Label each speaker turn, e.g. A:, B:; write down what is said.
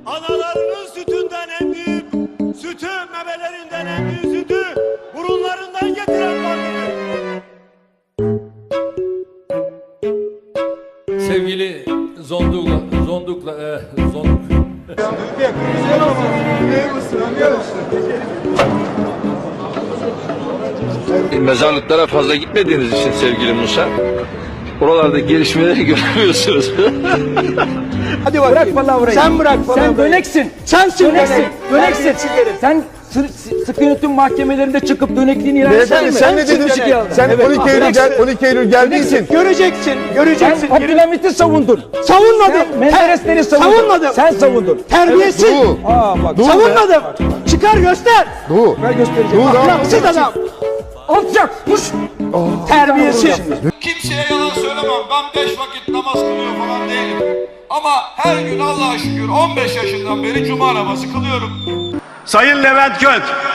A: analarının sütünden emdiği sütü, memelerinden emdiği sütü burunlarından getiren vardır.
B: Sevgili Zonduk.
C: Mezarlıklara fazla gitmediğiniz için sevgili Musa, oralarda gelişmeleri göremiyorsunuz.
D: Hadi bak. Bırak palavrayı. Sen bırak palavrayı. Sen döneksin. Sensin döneksin. Döneksin. Sen sıkı yönetim mahkemelerinde çıkıp dönekliğini ilan etsene mi?
E: Sen ne dedin? Sen 12 Eylül geldiysin.
D: Göreceksin. Göreceksin.
E: Sen
D: Abdülhamit'i savundun. Savunmadım. Menderesleri savundun. Savunmadım. Sen savundun. Terbiyesiz. Bak. Savunmadım. Çıkar göster. Ben göstereceğim. Ahlaksız adam. Alçak. Puş. Terbiyesiz.
F: Kimseye yalan söylemem. Ben 5 vakit namaz kılıyor falan değilim. Ama her gün Allah'a şükür 15 yaşından beri cuma namazı kılıyorum.
A: Sayın Levent Göt,